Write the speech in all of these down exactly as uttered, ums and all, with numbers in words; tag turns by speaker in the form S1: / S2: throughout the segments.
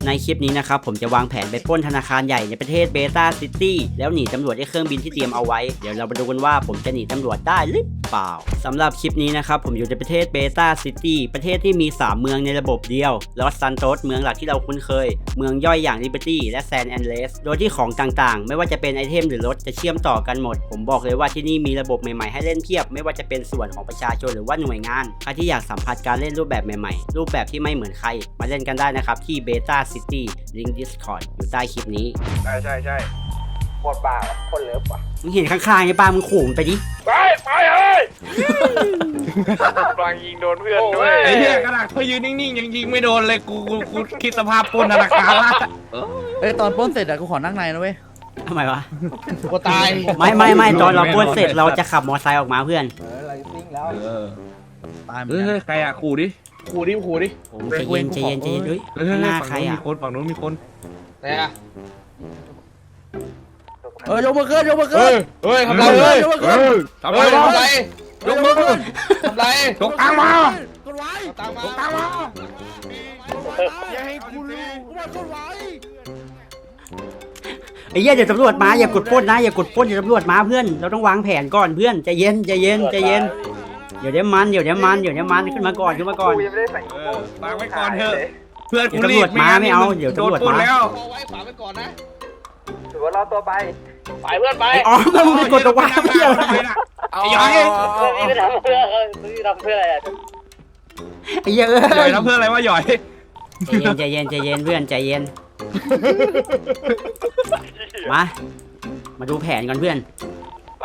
S1: ในคลิปนี้นะครับผมจะวางแผนไปปล้นธนาคารใหญ่ในประเทศเบต้าซิตี้แล้วหนีตำรวจด้วยเครื่องบินที่เตรียมเอาไว้เดี๋ยวเรามาดูกันว่าผมจะหนีตำรวจได้หรือเปล่าสำหรับคลิปนี้นะครับผมอยู่ในประเทศเบต้าซิตี้ประเทศที่มีสามเมืองในระบบเดียวลอสซันโตสเมืองหลักที่เราคุ้นเคยเมืองย่อยอย่างลิเบอร์ตี้และแซนแอนเลสโดยที่ของต่างๆไม่ว่าจะเป็นไอเทมหรือรถจะเชื่อมต่อกันหมดผมบอกเลยว่าที่นี่มีระบบใหม่ๆให้เล่นเพียบไม่ว่าจะเป็นส่วนของประชาชนหรือว่าหน่วยงานใครที่อยากสัมผัสการเล่นรูปแบบใหม่ๆรูปแบบที่ไม่เหมือนใครมาเล่นกันได้นะครับที่เบต้าซิตี้ลิงก์ Discord อยู่ใต้คลิปนี้
S2: ใช่ใช่ใช่โคตรบ้าโคตรเลิฟว่ะ
S1: มึงเห็นข้างๆไอ้ป้ามึงขู่มันไปดิ
S2: ไปไปเฮ้ยกลางยิงโดนเพื่อนด้วย
S3: ไอ้เหี้ยขนาดเขายืนนิ่งๆยังยิงไม่โดนเลยกูกูกูคิดสภาพปล้นธนาคารละ
S4: เอ้ยตอนปล้นเสร็จอะกูขอนั่งในนะเว้ย
S1: ทำไมวะ
S4: กูตาย
S1: ไม่ไม่ไม่ตอนเราปล้นเสร็จเราจะขับมอเตอร์ไซค์ออกมาเพื่อน
S2: เออเราซิ่งแล้ว
S4: ตายเหมือน
S3: เฮ้
S4: กั
S3: ย
S4: น
S3: ใครอะขู่ดิขู่ดิขู่ดิ
S1: ผมใจเย็นใจเย็นใจเย็นด้วยหน้าใครอ่ะ
S3: มีคนฝั่งนู้นมีคน
S2: ไหนอะ
S4: เออยกมือขึ้นยกมือขึ้น
S2: เฮ้ยทำไรเฮ้ย
S4: ยกมือขึ้น
S3: ทำไร
S2: ทำไรยกมือขึ้นทำไร
S3: ยกตังมาก
S4: ดไว้
S2: ตังมาย
S3: กตังมา
S4: อย่าให้กูรู้กูมากดไว้
S1: ไอ้เหี้ยเดี๋ยวตำรวจมาอย่ากดปล้นนะอย่ากดปล้นเดี๋ยวตำรวจมาเพื่อนเราต้องวางแผนก่อนเพื่อนใจเย็นใจเย็นใจเย็นเดี๋ยวเดี๋ยวมันเดี๋ยวเดี๋ยวมันเดี๋ยวเดี๋ยวมันขึ้นมาก่อนขึ้นมาก่อน
S3: วางไว้ก่อนเถอะเพื่อนกูรีบ
S1: ตำรวจมาไม่เอาเดี๋ยวตำรวจมา
S3: แล้ว
S2: เอาไว้ฝากไว้ก่อนนะถือว่าเราตัวไปไปเพื่อนไป
S1: อ๋อมึงไปกดตัววางเพื่อน
S3: ไอ้ยัย
S2: นี่ไม่ทำเพื่อนี่ทำเพื่ออะไรอ่ะ
S1: ไอ้เหี้ยเอ้ย
S3: หย่อยทำเพื่ออะไรวะหย่อย
S1: ใจเย็นใจเย็นใจเย็นเพื่อนใจเย็นมามาดูแผนก่อนเพื่อน
S2: ไป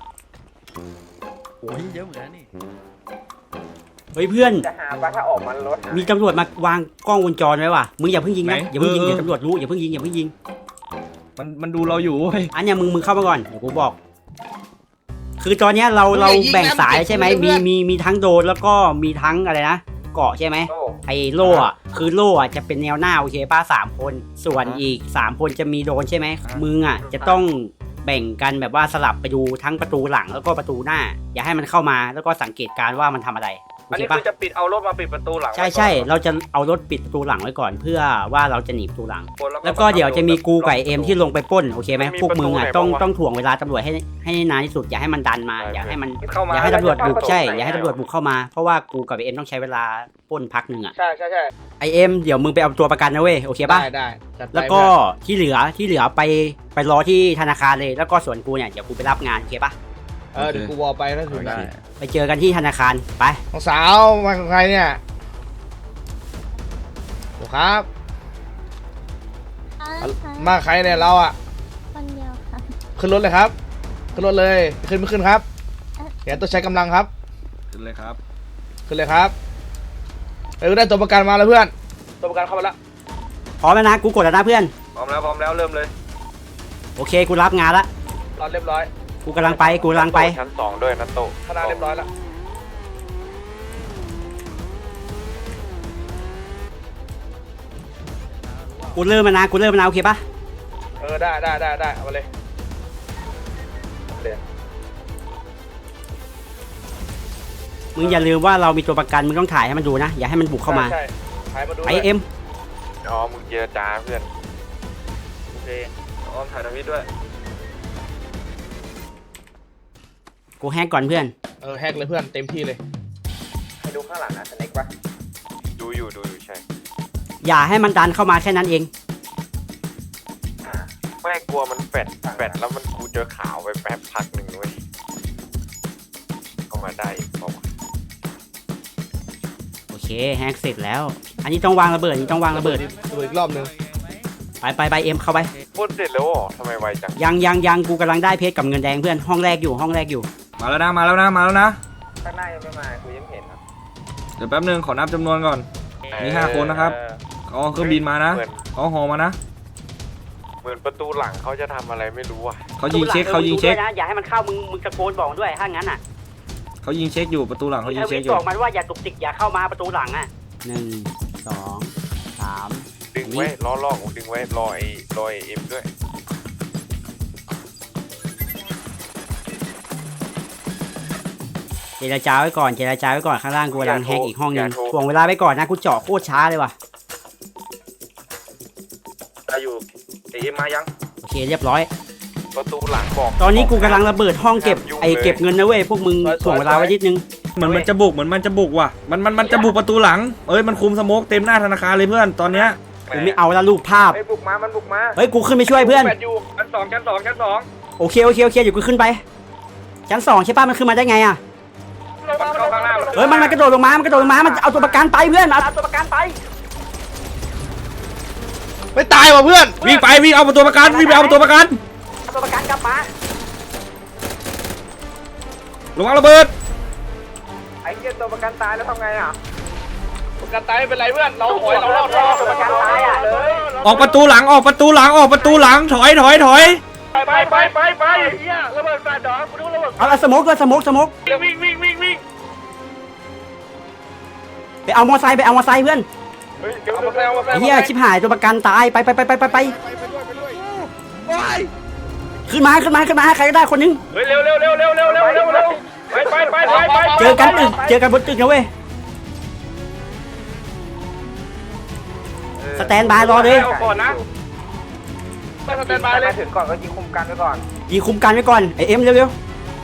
S4: โอ้ยเยอะเหมือนกันนี่
S1: เฮ้ยเพื่อน
S2: จะหาว่าถ้าออกมันรถ
S1: มีตำรวจมาวางกล้องวงจรไว้ว่ะมึงอย่าเพิ่งยิงนะอย่าเพิ่งยิงเดี๋ยวตำรวจรู้อย่าเพิ่งยิงอย่าเพิ่งยิง
S3: มันมันดูเราอยู่เว้ย
S1: อันเนี้ยมึงมึงเข้ามาก่อนเดี๋ยวกูบอกคือตอนเนี้ยเราเราแบ่งสายใช่ไหมมีมีมีทั้งโดนแล้วก็มีทั้งอะไรนะเกาะใช่ไหมไอ้โล่อะคือโล่อะจะเป็นแนวหน้าโอเคป้าสามคนส่วนอีกสามคนจะมีโดนใช่ไหมมึงอะจะต้องแบ่งกันแบบว่าสลับไปดูทั้งประตูหลังแล้วก็ประตูหน้าอย่าให้มันเข้ามาแล้วก็สังเกตการว่ามันทำอะไร
S2: อันนี้คือจะปิดเอารถมาปิดประตูหลัง
S1: ใช่ใช่เราจะเอารถปิดประตูหลังไว้ก่อนเพื่อว่าเราจะหนีประตูหลังแล้วก็เดี๋ยวจะมีกูไก่เอ็มที่ลงไปปล้นโอเคไหมพวกมึงอ่ะต้องต้องถ่วงเวลาตำรวจให้ให้นานที่สุดอย่าให้มันดันมาอย่าให้มันอย่าให้ตำรวจบุกใช่อย่าให้ตำรวจบุกเข้ามาเพราะว่ากูกับเอ็มต้องใช้เวลาปล้นพักหนึ่งอ่ะ
S2: ใช่ใช่ใช่
S1: ไอเอ็มเดี๋ยวมึงไปเอาตัวประกันนะเว้ยโอเคป่ะ
S2: ได้ได้
S1: แล้วก็ที่เหลือที่เหลือไปไปรอที่ธนาคารเลยแล้วก็ส่วนกูเนี่ยเดี๋ยวกูไปรับงานโอเคป่ะ
S2: เออเดี๋ยวกูวอลไปถ้าถึงได้
S1: ไปเจอกันที่ธนาคารไป
S2: น้องสาวมากับใครเนี่ยครับมาใครเนี่ยเราอ่ะ
S5: คนเดียวครับ
S2: ขึ้นรถเลยครับขึ้นรถเลยขึ้นไม่ขึ้นครับเดี๋ยวต้องใช้กำลังครับ
S3: ขึ้นเลยครับ
S2: ขึ้นเลยครับเออได้ตัวประกันมาแล้วเพื่อนตัวประกันเข้ามาแล้ว
S1: พร้อมแล้วนะกูกดแล้วนะเพื่อน
S2: พร้อมแล้วพร้อมแล้วเริ่มเลย
S1: โอเคกูรับงานละ
S2: รอเรียบร้อย
S1: กูกำลังไปกูกำลังไป
S2: ชั้นสองด้วยนัตโต้คณะเรียบร้อยแล้ว
S1: กูเริ่มมานะกูเริ่มมานะโอเคปะ
S2: เออได้ได้ได้ได้เอามาเลย
S1: มึงอย่าลืมว่าเรามีตัวประกันมึงต้องถ่ายให้มันดูนะอย่าให้มันบุกเข้ามา
S2: ใช่ถ่ายมาดู
S1: ไอเอ็ม
S2: อ๋อมึงเจรจาเพื่อนโอเคอ้อมถ่ายทวิตด้วย
S1: กูแฮกก่อนเพื่อน
S2: เออแฮกเลยเพื่อนเต็มที่เลยให้ดูข้างหลังนะสเน็กปะดูอยู่ดูอยู่ใช่
S1: อย่าให้มันดันเข้ามาแค่นั้นเอง
S2: ไม่กลัวมันแฟดแฟดแล้วมันกูเจอข่าวไปแป๊บพักหนึ่งเว้ยเข้ามาได้บอก
S1: โอเคแฮกเสร็จแล้วอันนี้ต้องวางระเบิดอันนี้ต้องวางระเบิด
S2: ระเบิดอีกรอบนึง
S1: ไปไปไปเอ็มเข้าไป
S2: พูดเสร็จแล้วอ๋อทำไมไวจัง
S1: ยังยังยังกูกำลังได้เพชรกับเงินแดงเพื่อนห้องแรกอยู่ห้องแรกอยู่
S3: มาแล้วนะมาแล้วนะมาแล้วนะ
S2: ข้างหน้ายังไม่มากูยังเห็นครับ
S3: เดี๋ยวแป๊บนึงขอนับจำนวนก่อนมีห้าคนนะครับเขาเครื่องบินมานะเขาหอมานะ
S2: เหมือนประตูหลังเขาจะทำอะไรไม่รู้อ่ะ
S3: เขายิงเช็คเขายิงเช็ค
S1: นะอย่าให้มันเข้ามึงมึงตะโกนบอกด้วยถ้างั้นอ่ะ
S3: เขายิงเช็คอยู่ประตูหลังเขายิงเช็คอยู่
S1: บอกมันว่าอย่าตุกติกอย่าเข้ามาประตูหลังอ่ะหนึ่งสองสาม
S2: ดึงไว้ล้อล่องดึงไว้รอไอ้รอไอ้เอ็มด้วย
S1: เจรจาไว้ก่อนเจรจาไว้ก่อนข้างล่างกูกำลังแฮกอีกห้องนึงถ่วงเวลาไว้ก่อนนะกูเจาะโคตรช้าเลยว่ะ
S3: ได้อยู่เอ็มมายัง
S1: โอเคเรียบร้อย
S2: ประตูหลังบอก
S1: ตอนนี้กูกำลังระเบิดห้องเก็บไอเก็บเงินนะเว้ยพวกมึงถ่วงเวลาไว้นิดนึง
S3: เหมือนมันจะบุกเหมือนมันจะบุกว่ะมันมันมันจะบุกประตูหลังเอ้ยมันคุมสโมกเต็มหน้าธนาคารเลยเพื่อนตอนเนี้ย
S1: กูไม่เอาละรูปภาพ
S2: ไอ้บุกมามันบุกมา
S1: เฮ้ยกูขึ้นไปช่วยเพื่อน
S2: แปดอยู่ชั้นสองชั้นสองชั้นสอง
S1: โอเคโอเคโอเคเดี๋ยวกูขึ้นไปชั้นสองใช่ป่ะมันขึ้นมาได้ไงอ่ะ
S2: เข้าข้างหน้า
S1: เฮ้ยมันมันกระโดดลงมามันกระโดดลงมามันเอาตัวประกันไปเพื่อนเอาตัวประกันไป
S4: ไม่ตายว่ะเพื่อน
S3: วิ่งไปวิ่งเอาประตูประกันวิ่งไปเอาประตูประกัน
S1: เอาตัวประกันกลับมา
S3: ระวังระเบิด
S2: ไอ้เหี้ยตัวประกันตายแล้วทำไงอ่ะ
S4: ประกันตายไม่เป็นไรเพื่อนเราถอยเรารอดรอด
S2: ตัวประกันตายอ่ะเลย
S3: ออกประตูหลังออกประตูหลังออกประตูหลังถอยถอยถอย
S4: ไปไปไปไปไปเฮียระเบิดแฟลชดอกกูดูระเบิด
S1: เอาเอาสโมกด้วยสโมกสโมก
S4: วิ่งวิ่งวิ่งวิ่ง
S1: ไปเอามอไซค์ไปเอามอไซค์เพื่อน
S2: เฮ้ยเดี๋ยวมาแซวมาแซ
S1: ไอ้
S2: ว
S1: เหี้ยชิบหายตัวประกันตายไปไปไปไปไปไปขึ้นมาขึ้นมาขึ้นมาใครก็ได้คนนึง
S4: เฮ้ยเร็วเร็วเร็วเร็วเร็วเร็วเร็วเร็วไปไปไปไปไป
S1: เจอกันตึกเจอกันบนตึกนะเว้ยสแตนบายรอเลย
S4: ก่อนนะไปสแตนบายเลย
S2: ถึงก่อนก็ยิงคุมกันไว้ก่อน
S1: ยิงคุมกันไว้ก่อนไอเอ็มเร็ว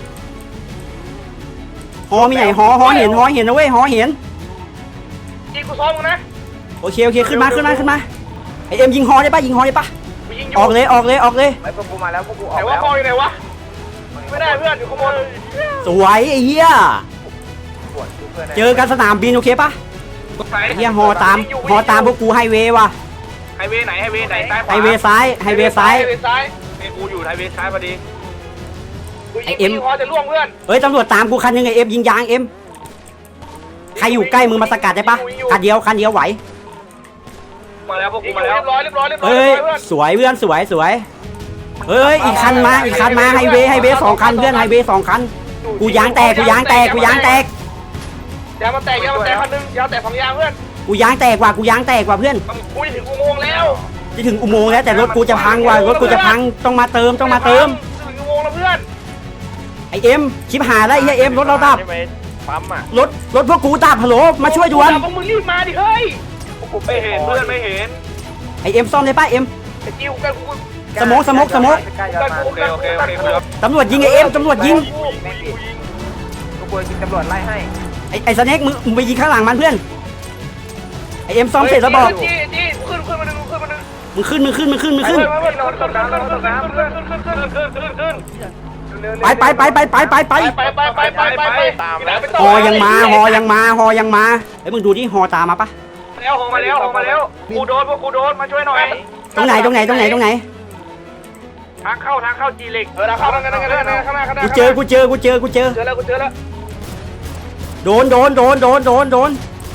S1: ๆฮอมีไหนฮอฮอเห็นฮอเห็นนะเว้ยฮอเห็น
S4: ยิงกูซ้อมมึงนะ
S1: โอเคโอเคขึ้นมาขึ้นมาขึ้นมาไอเอ็มยิงฮอได้ปะยิงฮอได้ปะ
S4: กูยิงอ
S1: อยู่ อกเลยออกเลยออกเลย
S2: ไอ้พวกกูมาแล้วพวกกูออ
S4: แต่
S2: ก
S4: ว่า
S2: แล้ว
S4: คออยู่ไหนวะไม่ได้เพื่อนอยู่ข้างบน
S1: สวยไอ้เหี้ย
S2: ปวดเพื่อน
S1: เจอกันสนามบินโอเคปะไอ้เหี้ยฮอตามฮอตามพวกกูไฮเวย์ว่ะ
S4: ไฮเวย์ไหนไฮเวย์ไหนซ้ายขวา
S1: ไฮเวย์ซ้ายไฮเวย์ซ้าย
S4: ไฮเวย์ซ้ายไอ้กูอยู่ไฮเวย์ซ้ายพอดีกูยิง
S1: ไอ้เอ็ม
S4: กูยิงคอจะล่วงเพื่อน
S1: เฮ้ยตำรวจตามกูคันหนึงไอเอ็มยิงยางเอ็มใครอยู่ใกล้มึงมาสกัดได้ปะคันเดียวคันเดียวไหว
S4: มาแล้วพวกกูมาแล้วเรียบร้อยเรียบร้อยเรียบร้อย
S1: เฮ้ย
S4: เพื่อน
S1: สวยเพื่อนสวยสวยเฮ้ยอีกคันมาอีกคันมาไฮเวย์ไฮเวย์สองคันเพื่อนไฮเวย์สองคันกูยางแตกกูยางแตกกูยางแตก
S4: ยางมาแตกยางมาแตกคันนึงยางแตกสองยางเพื่อน
S1: กูยางแตกว่ะกูยางแตกว่ะเพื่อน
S4: กูจะถึงอุโมงค์แล้ว
S1: จะถึงอุโมงค์แล้วแต่รถกูจะพังว่ะรถกูจะพังต้องมาเติมต้องมาเติม
S4: ถึงอุโมงค์แล้วเพื่อน
S1: ไอเอ็มชิบหายแล้วไอ้เหี้ยเอ็มรถเราดับ
S2: ใช่ไหมปั๊มอ่ะ
S1: รถรถพวกกูดับฮัลโหลมาช่วยด่วน
S4: พวกมึงรีบมาดิเฮ้ย
S2: พวกกู
S4: ไม่เห็นเพื่อนไม่เห็น
S1: ไอเอ็มซ่อมได้ปะเอ็ม
S4: ไอ้จิ้วกันกู
S1: สโมกสโมกสโมก
S2: ใกล้ๆ
S4: กัน
S2: มา
S4: กูกันกูกันกู
S1: ตำรวจยิงไอเอ็มตำรวจยิง
S2: ไม่ปิดพวกกูยิงตำรวจไล่ให้
S1: ไอไอสเน็กมึงมึงไปยิงข้างหลังมันเพื่อนไอเอ็มซ่อมเสร็จแล้วบอก
S4: จี้จี้ขึ้นขึ้นมาดึงขึ้นมาดึง
S1: มึงขึ้นมึงขึ้นมึงขึ้นมึงขึ้น
S4: ขึ้นขึ้นขึ้นขึ้นขึ้นขึ้นขึ้นขึ้นขึ้นขึ้นขึ้นขึ้น
S1: ไปไปไปไปไปไปไป
S4: ไปไปไปไปไปไปตามแล้ว
S1: ฮอยังมาฮอยังมาฮอยังมาไอ้ยมึงดูที่ฮอตามมาปะ
S4: แล้วออกมาแล้วออกมาแล้วกูโดนพวกกูโดนมาช่วยหน่อย
S1: ตรงไหนตรงไหนตรงไหนตรงไหน
S4: ทางเข้าทางเข้าจีเล็กเออทางเข้าทางนั้นทางนั้นข้างหน้าข้างหน้า
S1: กูเจอกูเจอกูเจอกูเจอ
S4: เจอแล้วกูเจอแล้ว
S1: โดนโดนโดนโดนโดนโดน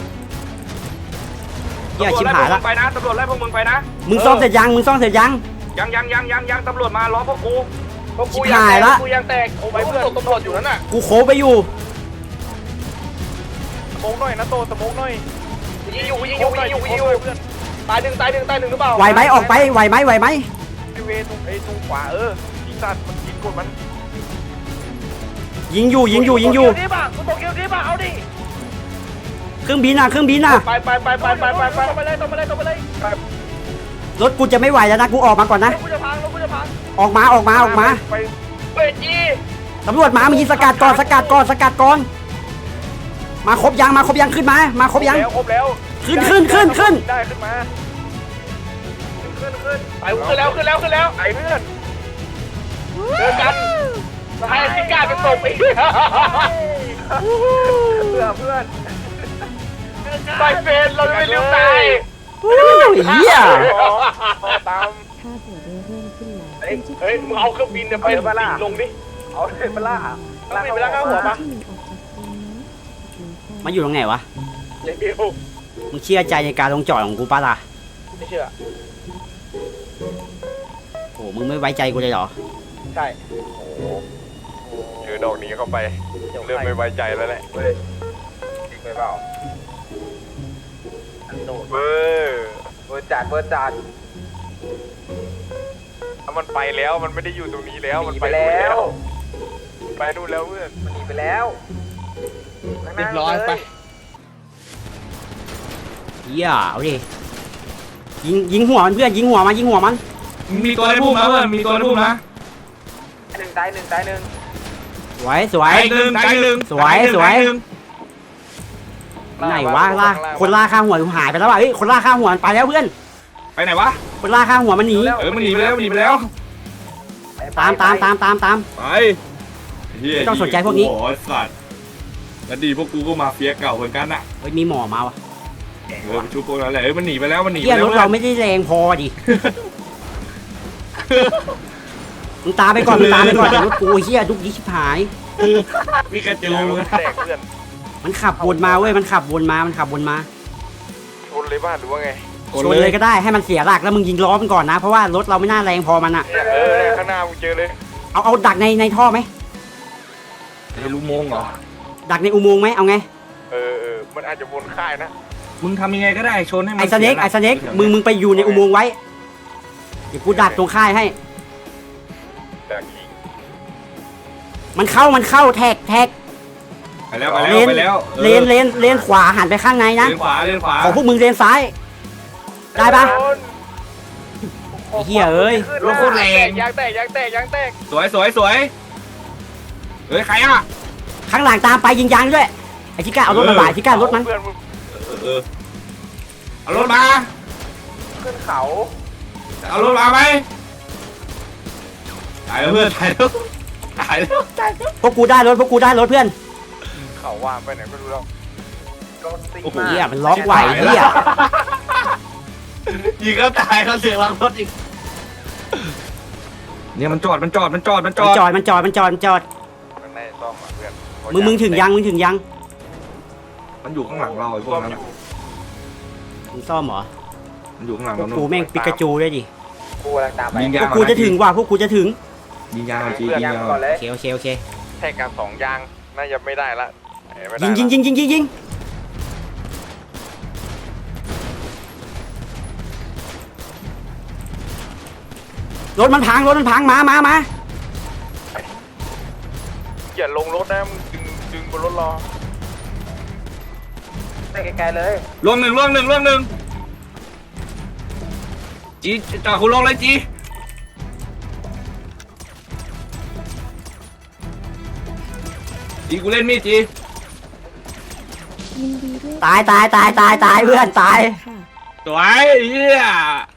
S1: เหี้ยชิบหายละ
S4: ไปนะตำรวจไล่พวกมึงไปนะ
S1: มึงซ่อมเสร็จยังมึงซ่อมเสร็จยัง
S4: ยังยังยังยังยังตำรวจมาล้อพวกกูพวกกู
S1: ชิบหายละ
S4: กูยังแตกโอ้ยเพื่อนตำรวจอยู่นั่นน่ะ
S1: กูโคไปอยู่
S2: สโมกหน่อยนะโตสโมกหน่อย
S4: ยิงอยู่ยิงอยู่ยิงอยู่ยิงอยู่ตายหนึ่งตายหนึ่งตายหนึ่งหรือเปล่า
S1: ไหวไหมออกไปไหวไหมไหวไหม
S2: ไอเวตรงไอตรงขวาเออยิงสัตว์มันยิงกดมัน
S1: ยิงอยู่ยิงอยู่ยิงอยู่
S4: นี่ป่ะกูตกเกมนี้ป่ะเอาดิ
S1: เครื่องบินอ่ะเครื่องบินอ่ะ
S4: ไปไปไปไปไปไปไปไปเลยตรงไปเลยตรงไปเลย
S1: รถกูจะไม่ไหวแล้วนะกูออกมาก่อนนะ
S4: กูจะพังกูจะพัง
S1: ออกมาออกมาออกมา
S2: ไป
S4: เฮ้ยจี
S1: ตำรวจมามึงยิงสกัดก่อนสกัดก่อนสกัดก่อนมาครบยังมาครบยังขึ้นมามาครบยัง
S2: แล้วครบแล้ว
S1: ขึ้นขึ้นขึ้นขึ้น
S2: ได้ขึ้นมาขึ้นขึ้น
S4: ไปขึ้นแล้วขึ้นแล้วขึ้นแล้ว
S2: ไอ้เพื่อน
S4: เจอกันให้ซิก้าเป็นตบอีก
S2: เพื่อเพื่อน
S4: ไปเฟนเราจะไม่ลืมตาย
S1: โอ้ยเหี้ย
S2: ขอตาม
S5: ค่าตั๋วเดินเริ่มขึ้นแล้ว
S4: เฮ้ยเฮ้ยมึงเอาเครื่องบินเนี่ยไปลงดิ
S2: เอาเลยเปล่า
S4: เครื่องบินไปแล้วข้างหัวปะ
S5: ที่หนึ่งออกจากตรงนี้
S1: มาอยู่ตรงไหนวะ
S4: เดี๋ยว
S1: มึงเชื่อใจในการลงจอดของกูปะล่ะ
S4: ไม่เชื่อ
S1: โอ้มึงไม่ไว้ใจกูเลยเหรอ
S4: ใช่
S2: เจอดอกนี้เข้าไปเริ่มไม่ไว้ใจแล้วแหละเฮ้ยจริงไหมเปล่าเบอร์เบอร์จัดเบอร์จัดถ้ามันไปแล้วมันไม่ได้อยู่ตรงนี้แล้วมันไปแล้วไปนู่นแล้วเพื่อนมันหนีไปแล้ว
S4: เรียบร้อยไป
S1: เหี้ยเอาดิยิงยิงหัวมันเพื่อนยิงหัวมันยิงหัวมัน
S3: มีตัวในพุ่มนะเพื่อนมีตัวในพุ่มนะ
S4: หนึ่งตายหนึ่งตายหนึ่ง
S1: สวยสวย
S3: ตายหนึ่งตายหนึ่ง
S1: สวยสวย
S3: ตาหนึ่ง
S1: ไหนวะล่าคนล่าข้าหัวหายไปแล้วว่ะเฮ้ยคนล่าข้าหัวมันไปแล้วเพื่อน
S3: ไปไหนวะ
S1: คนล่าข้าหัวมันหนี
S3: เออมันหนีไปแล้วมันหนีไปแล้ว
S1: ตามตามตามตามตาม
S3: ไปเหี้ย
S1: ไม่ต้องสนใจพวกนี้
S3: โอ้โหสัตว์แล้วดีพวกกูก็มาเฟียเก่าเหมือนกันน่ะ
S1: เฮ้ยมีหมอมาวะ
S3: เออชุบพวกนั้นแหละเออมันหนีไปแล้วมันหนีไป
S1: เฮีย
S3: แล้ว
S1: รถเราไม่ได้แรงพอดิมึงตามไปก่อนมึงตามไปก่อนเดี๋ยวรถกูเฮียดุกดิชิบหาย
S3: มีกระจู
S2: แตกเพื่อน
S1: มันขับวนมาเว้ยมันขับวนมามันขับวนมา
S2: ชนเลยบ้านหรือว่าไง
S1: ชนเลยก็ได้ให้มันเสียหลักแล้วมึงยิงล้อมันก่อนนะเพราะว่ารถเราไม่น่าแรงพอมันอะ
S2: เนี่ยเออเนี่ยข้างหน้ามึงเจอเลย
S1: เอาเอาดักในในท่อไหม
S3: ไอ้ลูกโมงเหรอ
S1: ดักในอุโมงค์ไหมเอาไง
S2: เออเออมันอาจจะวนค่ายนะ
S3: มึงทำยังไงก็ได้ชนให้มัน
S1: ไอ้สเน็กไอ้สเน็กมึงมึงไปอยู่ในอุโมงค์ไว้เดี๋ยวกูดักตรงค่ายให้
S2: แต่ยิง
S1: มันเข้ามันเข้าแท็กแท็ก
S3: ไปแล้วไปแล้วไปแล้ว
S1: เลนเลนเลนขวาหันไปข้างในนะ
S3: เลนขวาเลนขวา
S1: ของพวกมึงเลนซ้าย ได้ปะ ไอ้เหี้ยเอ้ย
S2: รถโคตรแรงยางแตกยางแตกยางแตก
S3: สวยสวยสวยเฮ้ยใครอ่ะ
S1: ข้างหลังตามไปยิงยางด้วยไอ้ชิก้าเอารถมาบ่ายชิก้ารถมัน
S2: เพื่อนมึง
S3: เออเออเอารถมา
S2: ขึ้นเขา
S3: เอารถมาไหมตายแล้วเพื่อนตายแล้วตายแล้วตายแล้ว
S1: พวกกูได้รถพวกกูได้รถเพื่อน
S2: เขาว่าไปไหนไม่รู้แล้วรถติด
S1: โอ้โห
S2: มาก
S1: เหี้ยมันล็อกไหวเหี้ย
S3: ยิงเขาตายเขาเสียงลังรถอีกเนี่ยมันจอดมันจอดมันจอดมันจ
S1: มัน
S3: อด
S1: จอดมันจอดมันจอดมันจอด
S2: มันได้ซ่อมอ่ะเพื่อน
S1: มึงมึงถึงยังมึงถึงยัง
S3: มันอยู่ข้างหลังเราไอ้พวกนั้น
S2: ซ่อมอยู่
S1: มึงซ่อมเหรอ
S3: มันอยู่ข้างหลัง
S1: พว
S3: เรา
S1: กกูแม่งปิกาจูด้วยดิ
S4: กูกำลังตามไป
S3: ยิง
S1: พ
S3: ยาว ง
S1: กกูจะถึงว่ะพวกกูจะถึง
S3: ยิงยางหน่อยจียิงยาง
S4: ก่อนเลย
S1: โอเคโอเคโอเค
S2: แท่งการสองยางน่าจะไม่ได้ละไม่ได้
S1: ยิง
S2: ละ
S1: ยิงยิงยิงยิงยิงรถมันพังรถมันพังมามามา
S2: อย่าลงรถนะมึงดึงดึงบนรถรอ
S4: ไปไกลๆเลย
S3: ล่วงหนึ่งล่วงหนึ่งล่วงหนึ่งจีจ่าคุณลงเลยจีจีกูเล่นมีดจี
S5: ยินดีด้วย
S1: ตายตายตายตายตายเพื่อนตาย
S5: ค่ะ
S3: สวยเฮีย